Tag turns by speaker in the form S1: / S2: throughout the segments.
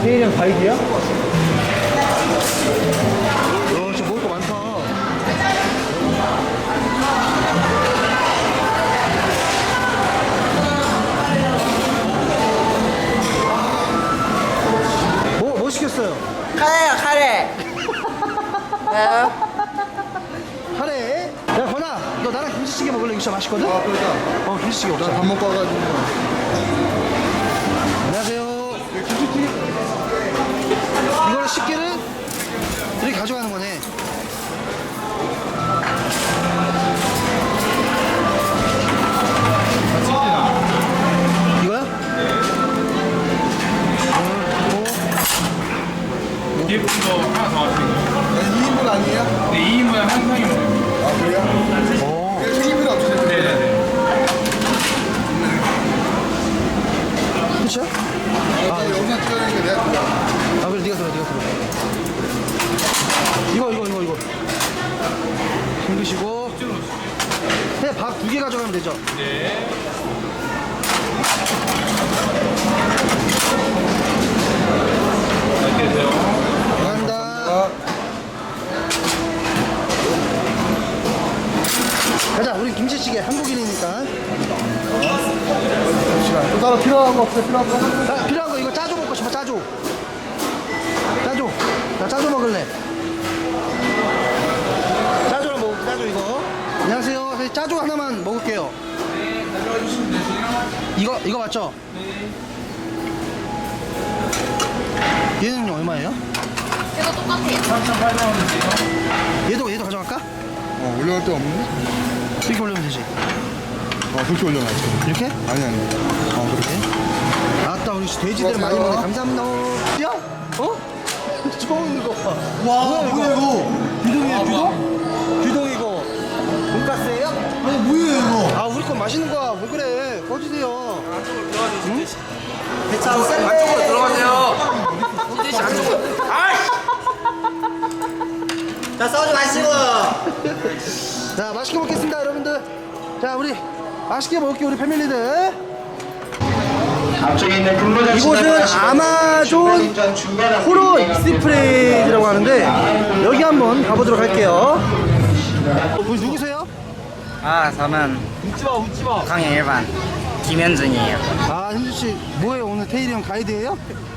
S1: 테일이랑 가이드야? 진짜 먹을 거 많다. 뭐 시켰어요?
S2: 카레요, 카레.
S1: 카레? 야, 건아, 너 나랑 김치찌개 먹을래? 이거 진짜 맛있거든?
S3: 그러자.
S1: 김치찌개 먹자.
S3: 밥 먹고 와가지고.
S1: 안녕하세요.
S3: 김치찌개?
S1: 이거를 식기를 이렇게 가져가는 거네. 이거야?
S4: 뒤에 분도 하나 더 하시는 거예요?
S3: 2인분 아니에요?
S4: 네, 2인분에 한 상이면
S3: 아, 그래요? 1인분 없으세요?
S4: 네네네.
S1: 끝이야?
S3: 아, 영상 찍어내니까 내가 그거.
S1: 아, 그래, 네가 들어. 이거. 힘드시고. 네, 밥 2개 가져가면 되죠?
S4: 네. 이렇게 되세요.
S1: 감사합니다. 가자, 우리 김치찌개 한국인이니까.
S3: 또 따로 필요한 거 없어요? 필요한 거?
S1: 자, 필요한 거 이거 짜조 먹고 싶어, 짜조. 나 짜조 먹을래. 짜조랑 먹을게, 짜조 이거. 안녕하세요. 저희 짜조 하나만 먹을게요.
S4: 네, 가져와 주시면 되세요.
S1: 이거 맞죠? 얘는 얼마예요?
S5: 이거 똑같아요.
S4: 3,800원이세요.
S1: 얘도 가져갈까?
S3: 올려갈 데 없는데?
S1: 이렇게 올리면 되지.
S3: 그렇게 올려놔야지.
S1: 이렇게?
S3: 아니.
S1: 그렇게? 아따, 우리 돼지들 많이 먹네. 감사합니다. 야? 어? 좋은 거 봐. 와, 뭐야 이거? 규동이에요, 규동? 규동이고. 돈가스예요?
S3: 아니, 뭐예요, 이거?
S1: 아, 우리 건 맛있는 거야. 왜 그래? 꺼주세요.
S2: 안쪽으로 들어가세요. 자, 소주 마시고.
S1: 자, 맛있게 먹겠습니다, 여러분들. 자, 우리 맛있게 먹을게요, 우리 패밀리들. 이곳은 아마존 호러 익스프레스라고 하는데 여기 한번 가보도록 할게요. 우리 누구세요?
S2: 저는 강일반 김현준이에요.
S1: 아, 현주씨 뭐예요? 오늘 테일이 형 가이드예요?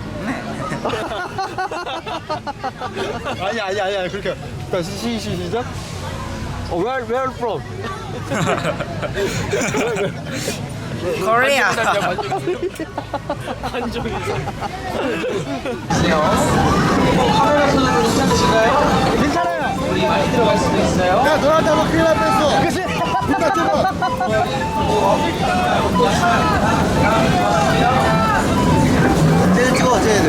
S3: 아니, 그렇게. 시작. Where from?
S2: 코리아.
S1: 괜찮아요.
S3: 야, 너한테 한번 큰일 날 뻔했어.
S1: 그치?
S3: 누가 찍어?
S2: 쟤들 찍어, 쟤들.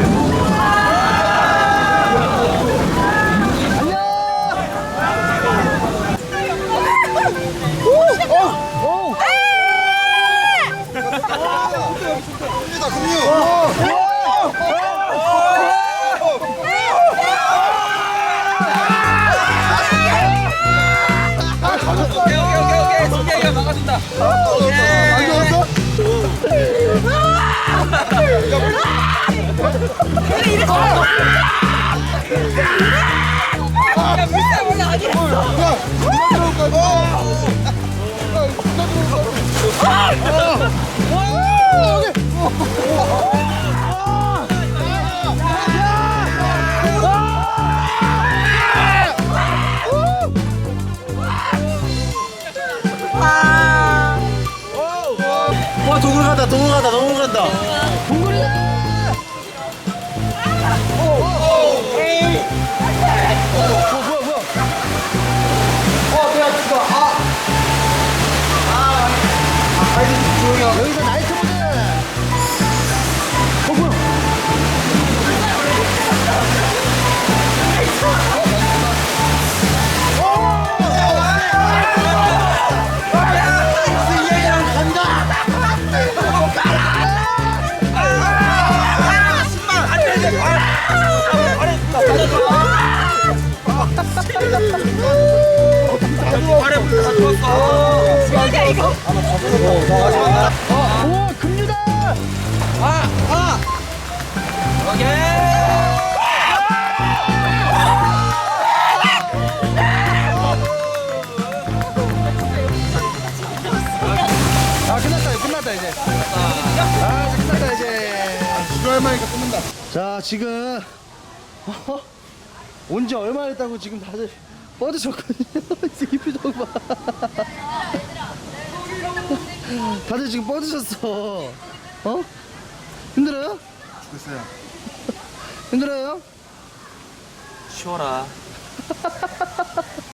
S4: 오케이. 손재희가 막아준다.
S2: 와, 동굴 간다.
S1: 동굴이다. 여기서 나이트 모드. 뭐야?
S4: 발에 물 다 죽었어.
S5: 뭐야 이거?
S1: 오, 금류다.
S4: 오케이.
S1: 자, 지금 온지 얼마 됐다고 지금 다들 뻗으셨거든요. 이 표정 봐. 다들 지금 뻗으셨어. 어? 힘들어요?
S3: 죽겠어요.
S1: 힘들어요?
S4: 쉬어라.